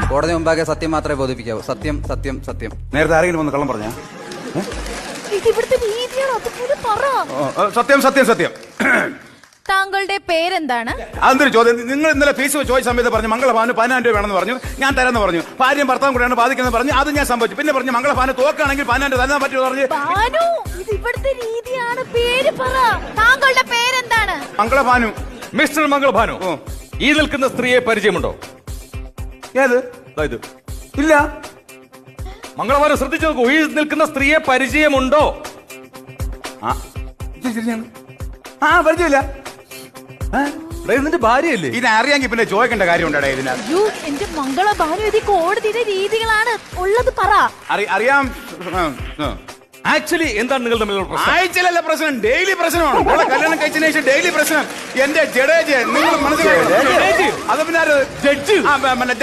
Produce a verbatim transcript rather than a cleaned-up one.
കോടതി മുമ്പാകെ സത്യം മാത്രമേ ബോധിപ്പിക്കാവൂ. സത്യം സത്യം സത്യം. നേരത്തെ ആരെങ്കിലും വന്ന് കള്ളം പറഞ്ഞ? ഇവിടുത്തെ രീതിയാണ്, അതുപോലെ പറ. സത്യം സത്യം സത്യം. താങ്കളുടെ പേരെന്താണ്? അതൊരു ചോദ്യം. നിങ്ങൾ ഇന്നലെ ഫീസ് ചോദിച്ച സമയത്ത് പറഞ്ഞു മംഗളഭാന് പതിനായിരം രൂപ വേണമെന്ന് പറഞ്ഞു. ഞാൻ തരാമെന്ന് പറഞ്ഞു. ഭാര്യയും ഭർത്താവും കൂടെയാണ് ബാധിക്കുന്നത് പറഞ്ഞു. അത് ഞാൻ സംഭവിച്ചു. പിന്നെ പറഞ്ഞു മംഗളഭാന് തോക്കാണെങ്കിൽ പതിനായിരം തരാൻ പറ്റുമോ പറഞ്ഞു. ഇത് ഇവിടുത്തെ രീതിയാണ്. പേര് പറ. താങ്കളുടെ പേരെന്താണ്? മംഗളഭാനു. മിസ്റ്റർ മംഗളഭാനു, ഈ നിൽക്കുന്ന സ്ത്രീയെ പരിചയമുണ്ടോ? ഏത്? ഇത് ഇല്ല. മംഗളഭാനു ശ്രദ്ധിച്ചു നോക്കൂ. ഈ നിൽക്കുന്ന സ്ത്രീയെ പരിചയമുണ്ടോ? ആ പരിചയമില്ല. ഇതിന്റെ ഭാര്യയല്ലേ? ഇതറിയാമെങ്കിൽ പിന്നെ ചോദിക്കേണ്ട കാര്യം ഉണ്ടാ ഇതിനകത്ത്. അയ്യോ എന്റെ മംഗളഭാനു, ഇത് കോടതിയുടെ രീതികളാണ്. ഉള്ളത് പറ. അറിയാം. ആക്ച്വലി എന്താണ് നിങ്ങൾ തമ്മിലുള്ള പ്രശ്നം? ആഴ്ചയിലല്ല പ്രശ്നം, ഡെയിലി പ്രശ്നമാണ്. നമ്മളെ കല്യാണം കഴിച്ചതിന് ശേഷം ഡെയിലി പ്രശ്നം. എന്റെ ജഡേജ് നിങ്ങൾ മനസ്സിലായോ? അത് പിന്നെ ജഡ്ജ്